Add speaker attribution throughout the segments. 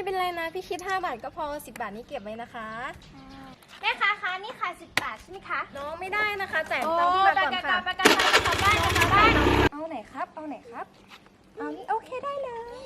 Speaker 1: เป็นไรนะพี่คิด5 บาทก็พอ10 บาทนี้เก็บไว้นะคะ
Speaker 2: แม่ค้าคะนี่ค่ะ10 บาทใช่ไหมคะ
Speaker 1: น้องไม่ได้นะคะจ่ายตังค์พี่มาก่อนค่ะ
Speaker 2: ไปกันบ้าน
Speaker 1: เอาไหนครับเอาไหนครับเอานี่โอเคได้เลย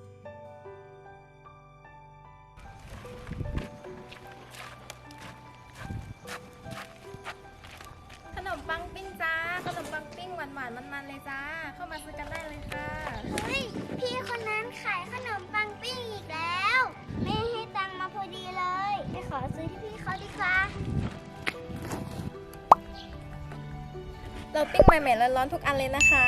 Speaker 1: ขนมปังปิ้งจ้าขนมปังปิ้งหวานๆมันๆเลยจ้าเข้ามาซื้อกันได้เลยค่ะ
Speaker 2: เฮ้ยพี่คนนั้นขายขนมปังปิ้งอีกแล้วไม่ให้ตังค์มาพอดีเลยไปขอซื้อที่พี่เขาดีกว่า
Speaker 1: เราปิ้งใหม่ๆร้อนๆทุกอันเลยนะคะ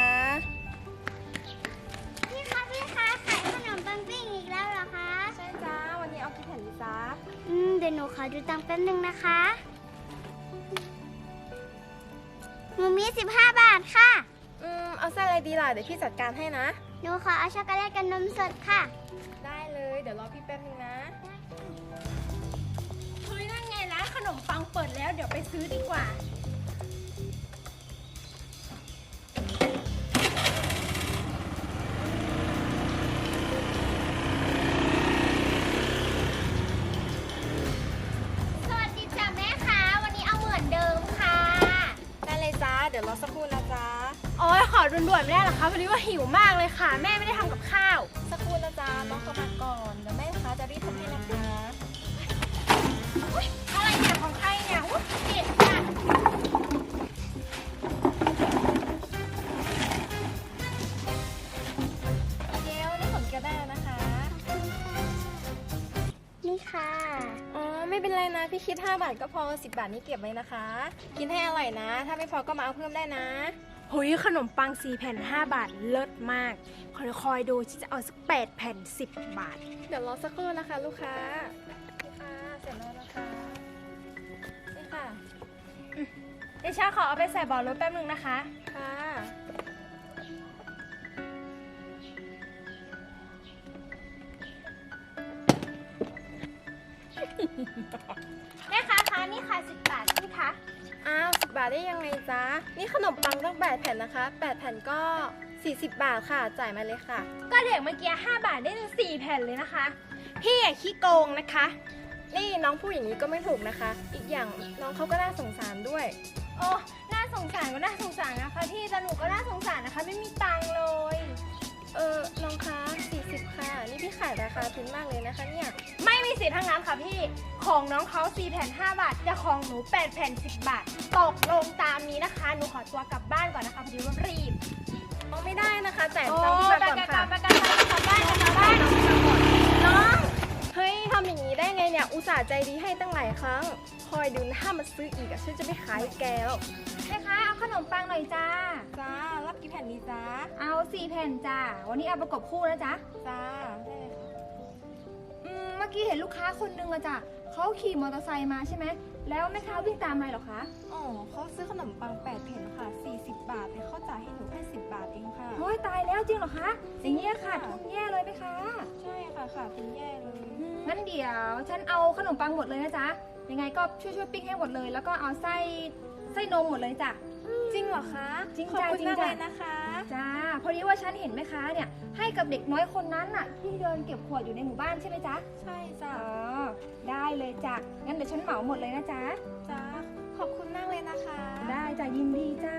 Speaker 2: พี่คะขายขนมปังปิ้งอีกแล้วเหรอคะ
Speaker 1: ใช่จ้าวันนี้เอากี่แผ่นดีจ้า
Speaker 2: เดี๋ยวหนูขอดูตังค์แป๊บนึงนะคะหนูมี15 บาทค่ะ
Speaker 1: เอาไส้อะไรดีล่ะเดี๋ยวพี่จัดการให้นะ
Speaker 2: หนูขอเอาช็อกโกแลตกับนมสดค่ะ
Speaker 1: ได้เลยเดี๋ยวรอพี่แป๊บนึงนะ
Speaker 2: เฮ้ยนั่นไงร้านขนมปังเปิดแล้วเดี๋ยวไปซื้อดีกว่าสวัสดีจ้ะแม่ค้าวันนี้เอาเหมือนเดิมค่ะ
Speaker 1: ได้เลยจ้าเดี๋ยวรอสักครู่นะจ้า
Speaker 2: โอ้ยขอด่วนๆไม่ได้หรอคะพอดีว่าหิวมากเลยค่ะแม่ไม่ได้ทำกับข้าว
Speaker 1: สักครู่นะจ้าน้องเข้ามาก่อนเดี๋ยวแม่ค้าจะรีบทำให้นะคะ
Speaker 2: อะไรเนี่ยของใครเนี่ยอุ๊ยเกลียดจัง
Speaker 1: เกลนี่ผมเกลได้แล้วนะคะ
Speaker 2: นี่ค่ะ
Speaker 1: อ๋อไม่เป็นไรนะพี่คิด5 บาทก็พอ10 บาทนี้เก็บไว้นะคะกินให้อร่อยนะถ้าไม่พอก็มาเอาเพิ่มได้นะ
Speaker 3: เฮ้ยขนมปัง4 แผ่น5 บาทเลิศมากคอยดูที่จะเอาสัก8 แผ่น10 บาท
Speaker 1: เดี๋ยวรอสักครู่นะคะลูกค้าลูกค้าเสร็จแล้วนะคะนี่ค่ะ
Speaker 3: เดชาขอเอาไปใส่บอลรถแป๊บนึงนะคะ
Speaker 1: ค่ะ
Speaker 2: แม่ค้าคะนี่ค่ะ10 บาทใช่ไหมคะ
Speaker 1: อ้าว10 บาทได้ยังไงจ๊ะนี่ขนมปังต้อง8 แผ่นนะคะ8 แผ่นก็40 บาทค่ะจ่ายมาเลยค่ะ
Speaker 3: ก็เด็กเมื่อกี้5 บาทได้ถึง4 แผ่นเลยนะคะพี่อย่าขี้โกงนะคะ
Speaker 1: นี่น้องพูดอย่างนี้ก็ไม่ถูกนะคะอีกอย่างน้องเขาก็น่าสงสารด้วย
Speaker 3: โอ้น่าสงสารก็น่าสงสารนะคะพี่แต่หนูก็น่าสงสารนะคะไม่มีตังค์เลย
Speaker 1: น้องคะ40ค่ะนี่พี่ขายราคาทุนมากเลยนะคะเนี่ย
Speaker 3: ไม่มีสิทธิ์ทั้งนั้นค่ะพี่ของน้องเขา4 แผ่น5 บาทแต่ของหนู8 แผ่น10 บาทตกลงตามนี้นะคะหนูขอตัวกลับบ้านก่อนนะคะพอดีว่ารีบ
Speaker 1: ไม่ได้นะคะจ่ายตังค์พี่มาก่อนค่ะ
Speaker 3: ไปกันบ้าน
Speaker 1: น้องเฮ้ยทำอย่างนี้ได้ไงเนี่ยอุตส่าห์ใจดีให้ตั้งหลายครั้งคอยดูนะถ้ามาซื้ออีกฉันจะไม่ขายแกแล้ว
Speaker 3: แม่ค้าเอาขนมปังหน่อยจ้า
Speaker 1: จ้ารับกี่แผ่นดีจ้า
Speaker 3: เอา4 แผ่นจ้าวันนี้เอาประกบคู่นะจ๊ะ
Speaker 1: จ้าได้เลยค่ะ
Speaker 3: เมื่อกี้เห็นลูกค้าคนนึงอะจ้ะเขาขี่มอเตอร์ไซค์มาใช่ไหมแล้วแม่ค้าวิ่งตามมาหรอคะ
Speaker 1: อ๋อเขาซื้อขนมปัง8 แผ่นค่ะ40 บาทแต่เขาจ่ายให้หนูแค่10 บาทเองค่ะ
Speaker 3: โอ้ยตายแล้วจริงเหรอคะอย่างนี้ขาดทุนแย่เลยไหมคะ
Speaker 1: ใช่ค่ะขาดทุนแย่เลย
Speaker 3: งั้นเดี๋ยวฉันเอาขนมปังหมดเลยนะจ๊ะยังไงก็ช่วยปิ้งให้หมดเลยแล้วก็เอาไส้นมหมดเลยจ้ะ
Speaker 1: จริงเหรอคะ
Speaker 3: จริง
Speaker 1: จ้า
Speaker 3: จริง
Speaker 1: จ้าเลยนะคะ
Speaker 3: จ้าพอดีว่าฉันเห็นแม่ค้าเนี่ยให้กับเด็กน้อยคนนั้นน่ะที่เดินเก็บขวดอยู่ในหมู่บ้านใช่ไหมจ๊ะ
Speaker 1: ใช่จ้ะ
Speaker 3: ได้เลยจ้ะงั้นเดี๋ยวฉันเหมาหมดเลยนะจ๊ะ
Speaker 1: จ้าขอบคุณมากเลยนะคะ
Speaker 3: ได้จ้ะยินดีจ้า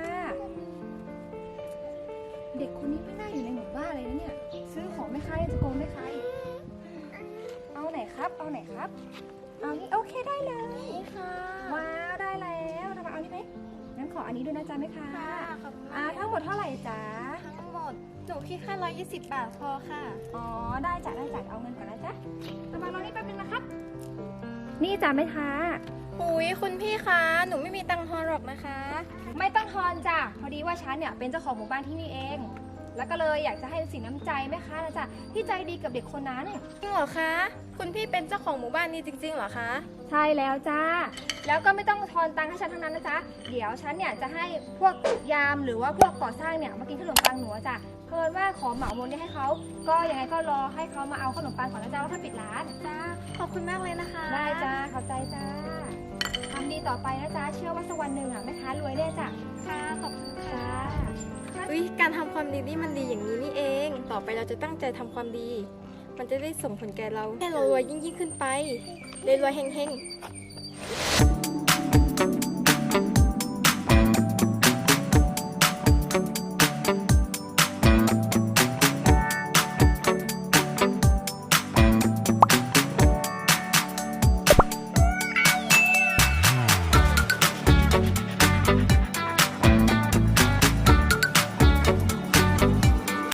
Speaker 3: เด็กคนนี้ไม่น่าอยู่ในหมู่บ้านเลยนะเนี่ยซื้อของแม่ค้าจะโกงแม่ค้าอีกเอาไหนครับเอาไหนครับเอานี่โอเคได้เลย
Speaker 1: นี่ค่ะ
Speaker 3: ว้าวได้แล้วทำไมเอานี่ไหมงั้นขออันนี้ด้วยนะจ๊ะแม่ค้า
Speaker 1: ขอบคุณ
Speaker 3: ทั้งหมดเท่าไหร่จ๊ะ
Speaker 1: ทั้งหมดหนูคิดแค่120 บาทพอค่ะ
Speaker 3: อ๋อได้จ้ะเอาเงินก่อนนะจ๊ะทำไมรอนี่แป๊บนึงนะครับนี่จ้ะแม่ค้า
Speaker 1: หุยคุณพี่คะหนูไม่มีตังค์ทอนหรอกนะคะ
Speaker 3: ไม่ต้องทอนจ้ะพอดีว่าฉันเนี่ยเป็นเจ้าของหมู่บ้านที่นี่เองแล้วก็เลยอยากจะให้สินน้ำใจแม่ค้านะจ๊ะที่ใจดีกับเด็กคนนั้น
Speaker 1: จริงเหรอคะคุณพี่เป็นเจ้าของหมู่บ้านนี้จริงๆเหรอคะ
Speaker 3: ใช่แล้วจ้าแล้วก็ไม่ต้องทอนตังค์ให้ฉันทั้งนั้นนะจ๊ะเดี๋ยวฉันเนี่ยจะให้พวกยามหรือว่าพวกก่อสร้างเนี่ยมากินขนมปังหนูจ้ะเพิ่นว่าขอเหมาหมดให้เขาก็ยังไงก็รอให้เขามาเอาขนมปังก่อนนะจ๊ะว่าถ้าปิดร้าน
Speaker 1: จ้าขอบคุณมากเลยนะคะ
Speaker 3: ได้จ้าขอบใจจ้าทำดีต่อไปนะจ๊ะเชื่อว่าสักวันหนึ่งแม่ค้ารวยแน่จ้ะ
Speaker 1: ค่ะขอบคุณค่ะการทำความดีนี่มันดีอย่างนี้นี่เองต่อไปเราจะตั้งใจทำความดีมันจะได้ส่งผลแก่เราให้เรารวยยิ่งขึ้นไปรวยๆเฮงๆ